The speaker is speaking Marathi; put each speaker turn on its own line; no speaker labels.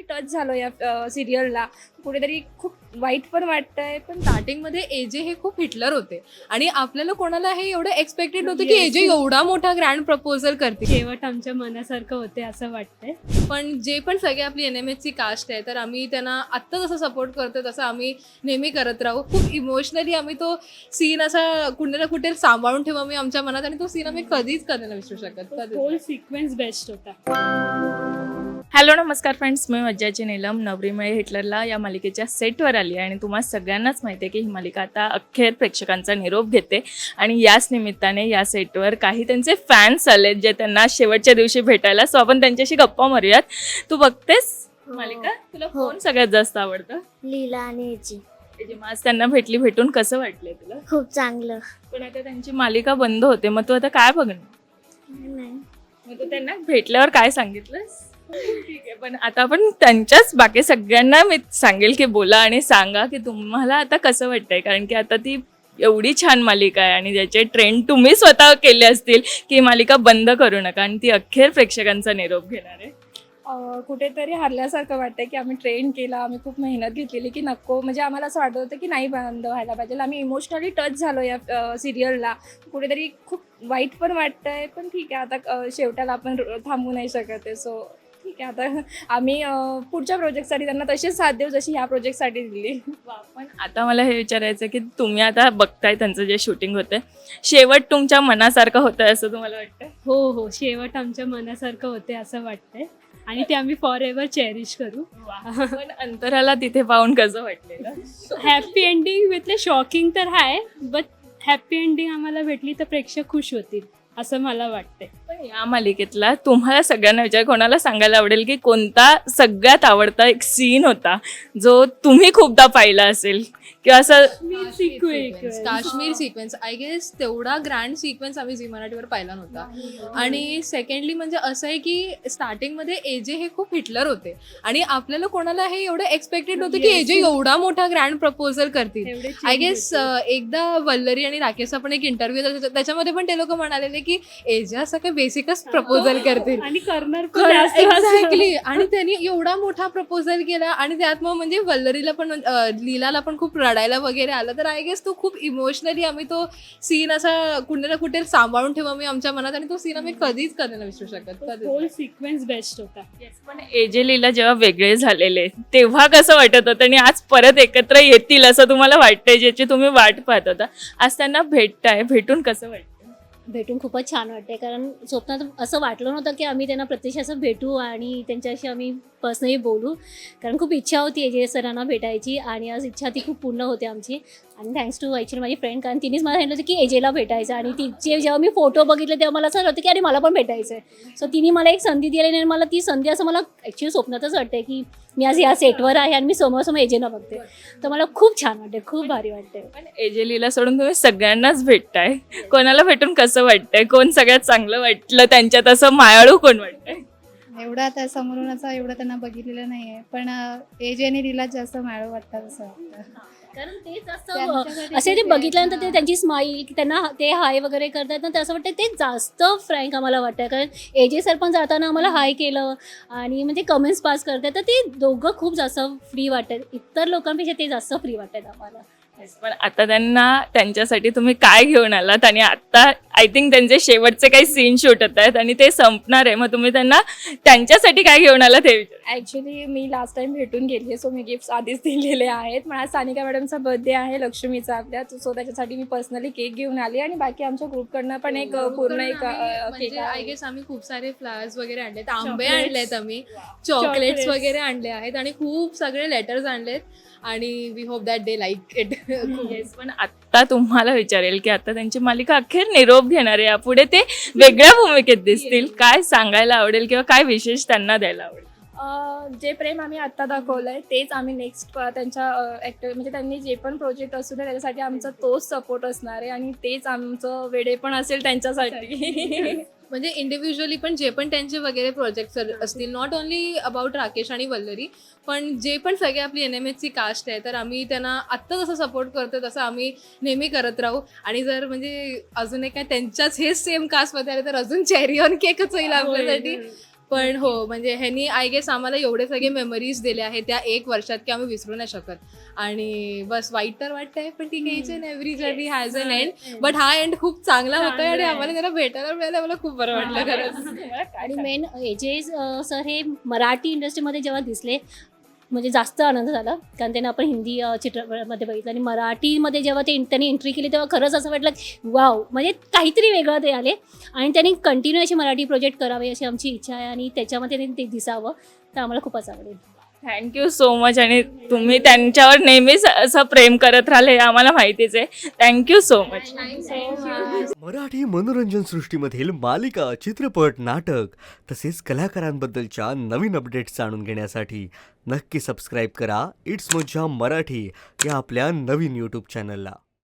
टच झालो या सिरियलला. कुठेतरी खूप वाईट पण वाटतंय. पण
स्टार्टिंगमध्ये एजे हे खूप हिटलर होते आणि आपल्याला कोणाला हे एवढं एक्सपेक्टेड नव्हतं की एजे एवढा मोठा ग्रँड प्रपोजल करतील.
शेवट आमच्या मनासारखं होते असं वाटतंय.
पण जे पण सगळे आपली NMHची कास्ट आहे तर आम्ही त्यांना आत्ता जसं सपोर्ट करतो तसं आम्ही नेहमी करत राहू. खूप इमोशनली आम्ही तो सीन असा कुठे ना कुठे सांभाळून ठेवू आम्ही आमच्या मनात आणि तो सीन आम्ही कधीच नाही विसरू शकत.
होल सिक्वेन्स बेस्ट होता.
हॅलो नमस्कार फ्रेंड्स, मी मज्जाची नीलम नवरी मिळे हिटलरला या मालिकेच्या सेटवर आली आहे आणि तुम्हाला सगळ्यांनाच माहिती आहे की ही मालिका आता अखेर प्रेक्षकांचा निरोप घेते आणि याच निमित्ताने या सेटवर काही त्यांचे फॅन्स आलेत जे त्यांना शेवटच्या दिवशी भेटायला. सो आपण त्यांच्याशी गप्पा मारूयात. तू बघतेस मालिका? तुला कोण सगळ्यात जास्त आवडतं?
लीला आणि याची
आज त्यांना भेटून कसं वाटलंय तुला?
खूप चांगलं.
पण आता त्यांची मालिका बंद होते, मग तू आता काय बघणार?
नाही
मग तू त्यांना भेटल्यावर काय सांगितलंस? ठीक आहे, पण आता आपण त्यांच्याच बाकी सगळ्यांना मी सांगेल की बोला आणि सांगा की तुम्हाला आता कसं वाटतंय, कारण की आता ती एवढी छान मालिका आहे आणि ज्याचे ट्रेंड तुम्ही स्वतः केले असतील की मालिका बंद करू नका आणि ती अखेर प्रेक्षकांचा निरोप घेणार आहे.
कुठेतरी हरल्यासारखं वाटतंय की आम्ही ट्रेन केला, आम्ही खूप मेहनत घेतलेली की नको, म्हणजे आम्हाला असं वाटत होतं की नाही बंद व्हायला पाहिजे. आम्ही इमोशनली टच झालो या सिरियलला. कुठेतरी खूप वाईट पण वाटतंय. पण ठीक आहे, आता शेवटाला आपण थांबू नाही शकत आहे. सो ठीक आहे, आता आम्ही पुढच्या प्रोजेक्टसाठी त्यांना तशीच साथ देऊ जशी ह्या प्रोजेक्टसाठी दिली.
पण आता मला हे विचारायचं की तुम्ही आता बघताय त्यांचं जे शूटिंग होतं, शेवट तुमच्या मनासारखं होतं असं तुम्हाला वाटतं?
हो, शेवट आमच्या मनासारखं होते असं वाटतंय आणि ते आम्ही फॉर एव्हर चेरिश करू.
पण अंतराला तिथे पाहून कसं वाटलेलं?
हॅपी एंडिंग विथ शॉकिंग तर आहे, बट हॅपी एंडिंग आम्हाला भेटली तर प्रेक्षक खुश होतील असं मला वाटतंय.
पण या मालिकेतला तुम्हाला सगळ्यांना विचार कोणाला सांगायला आवडेल की कोणता सगळ्यात आवडता एक सीन होता जो तुम्ही खूपदा पाहिला असेल किंवा असं?
काश्मीर सिक्वेन्स आय गेस तेवढा ग्रँड सिक्वेन्स आम्ही झी मराठीवर पाहिला नव्हता. आणि सेकंडली म्हणजे असं आहे की स्टार्टिंगमध्ये एजे हे खूप हिटलर होते आणि आपल्याला कोणाला हे एवढं एक्सपेक्टेड नव्हतं की एजे एवढा मोठा ग्रँड प्रपोजल करतील. आय गेस एकदा वल्लरी आणि राकेशचा पण एक इंटरव्ह्यू त्याच्यामध्ये पण ते लोक म्हणालेले की एजे असं काही बेसिकच प्रपोजल करतील
आणि करणार
एक्झॅक्टली. आणि त्यांनी एवढा मोठा प्रपोजल केला आणि त्यात मग म्हणजे वल्लरीला पण लीलाला पण खूप रडायला वगैरे आलं. तर आय गेस तो खूप इमोशनली आम्ही तो सीन असा कुठे ना कुठे सांभाळून ठेवू आम्ही आमच्या मनात आणि तो सीन आम्ही कधीच नाही विसरू शकत.
होल सिक्वेन्स बेस्ट होता.
पण एजे लीला जेव्हा वेगळे झालेले तेव्हा कसं वाटत होतं आणि आज परत एकत्र येतील असं तुम्हाला वाटतंय, ज्याची तुम्ही वाट पाहत होता, आज त्यांना भेटून कसं वाटतं?
भेटून खूपच छान वाटते, कारण स्वप्नात असं वाटलं नव्हतं की आम्ही त्यांना प्रत्यक्ष असं भेटू आणि त्यांच्याशी आम्ही पर्सनली बोलू, कारण खूप इच्छा होती एजे सरांना भेटायची आणि आज इच्छा ती खूप पूर्ण होते आमची. आणि थँक्स टू ॲक्च्युली माझी फ्रेंड, कारण तिनेच मला सांगितलं होतं की एजेला भेटायचं आणि तिचे जेव्हा मी फोटो बघितले तेव्हा मला असं होतं की अरे मला पण भेटायचं आहे. सो तिने मला एक संधी दिली आणि मला ती संधी असं मला ॲक्च्युली स्वप्नातच वाटते की मी आज या सेटवर आहे आणि मी समोर एजेला बघते, तर मला खूप छान वाटते, खूप भारी वाटते.
पण एजे लीला सोडून तुम्ही सगळ्यांनाच भेटताय, कोणाला भेटून कसं वाटतंय? कोण सगळ्यात चांगलं वाटलं त्यांच्यात, असं मायाळू कोण वाटतंय?
एवढं आता समोरून असं एवढं त्यांना बघितलेलं नाही आहे, पण एजे आणि लीला जास्त माळव वाटतात असं वाटतं.
कारण तेच असं असे ते बघितल्यानंतर ते त्यांची स्माईल त्यांना ते हाय वगैरे करतात ना, तर असं वाटतं ते जास्त फ्रँक आम्हाला वाटतं. कारण एजे सर पण जाताना आम्हाला हाय केलं आणि म्हणजे कमेंट्स पास करतात, तर ते दोघं खूप जास्त फ्री वाटतात. इतर लोकांपेक्षा ते जास्त फ्री वाटतात आम्हाला.
पण आता त्यांना त्यांच्यासाठी तुम्ही काय घेऊन आलात आणि आता आय थिंक त्यांचे शेवटचे काही सीन शूट होत आहेत आणि ते संपणार आहे, मग तुम्ही त्यांना त्यांच्यासाठी काय घेऊन आलात हे विचार?
ॲक्च्युली मी लास्ट टाइम भेटून गेली आहे, सो मी गिफ्ट्स आधीच दिलेले आहेत. मला सानिका मॅडमचा बर्थडे आहे लक्ष्मीचा आपल्या, सो त्याच्यासाठी मी पर्सनली केक घेऊन आली आणि बाकी आमच्या ग्रुपकडनं पण एक पूर्ण एक केक.
आय गेस आम्ही खूप सारे फ्लावर्स वगैरे आणलेत, आंबे आणलेत, आम्ही चॉकलेट्स वगैरे आणले आहेत आणि खूप सगळे लेटर्स आणलेत आणि we hope that they like it.
पण आता तुम्हाला विचारेल की आता त्यांची मालिका अखेर निरोप घेणार आहे, यापुढे ते वेगळ्या भूमिकेत दिसतील, काय सांगायला आवडेल किंवा काय विशेष त्यांना द्यायला आवडेल?
जे प्रेम आम्ही आत्ता दाखवलंय तेच आम्ही नेक्स्ट त्यांच्या ॲक्टर म्हणजे त्यांनी जे पण प्रोजेक्ट असू दे त्याच्यासाठी आमचा तोच सपोर्ट असणार आहे आणि तेच आमचं वेडे पण असेल त्यांच्यासाठी.
म्हणजे इंडिव्हिज्युअली पण जे पण त्यांचे वगैरे प्रोजेक्ट्स असतील, नॉट ओन्ली अबाउट राकेश आणि वल्लरी, पण जे पण सगळे आपली NMHची कास्ट आहे तर आम्ही त्यांना आत्ता जसं सपोर्ट करतो तसं आम्ही नेहमी करत राहू. आणि जर म्हणजे अजून एक काय त्यांच्याच हेच सेम कास्टमध्ये आले तर अजून चेरी ऑन केकच होईल आपल्यासाठी. पण हो म्हणजे ह्यांनी आय गेस आम्हाला एवढे सगळे मेमरीज दिले आहेत त्या 1 वर्षात की आम्ही विसरू नाही शकत. आणि बस वाईट तर वाटतंय पण ठीक आहे, each and every journey has an end. But हा एंड खूप चांगला होतोय आणि आम्हाला त्याला भेटायला मिळालं, मला खूप बरं वाटलं खरंच.
आणि मेन एजे सर हे मराठी इंडस्ट्रीमध्ये जेव्हा दिसले म्हणजे जास्त आनंद झाला, कारण त्यांना आपण हिंदी चित्रपटामध्ये बघितलं आणि मराठीमध्ये जेव्हा त्यांनी एंट्री केली तेव्हा खरंच असं वाटलं वाव, म्हणजे काहीतरी वेगळं ते आले आणि त्यांनी कंटिन्यू असे मराठी प्रोजेक्ट करावे अशी आमची इच्छा आहे आणि त्याच्यामध्ये त्यांनी ते दिसावं, तर आम्हाला खूपच आवडेल.
Thank you so much. आणि तुम्ही त्यांच्यावर नेहमीच असं प्रेम करत राहिले हे आम्हाला माहितीच आहे. Thank you so much.
मराठी मनोरंजन सृष्टीमधील मालिका, चित्रपट, नाटक तसेच कलाकारांबद्दलच्या नवीन अपडेट्स जाणून घेण्यासाठी नक्की सबस्क्राईब करा इट्स मज्जा मराठी या आपल्या नवीन यूट्यूब चॅनलला.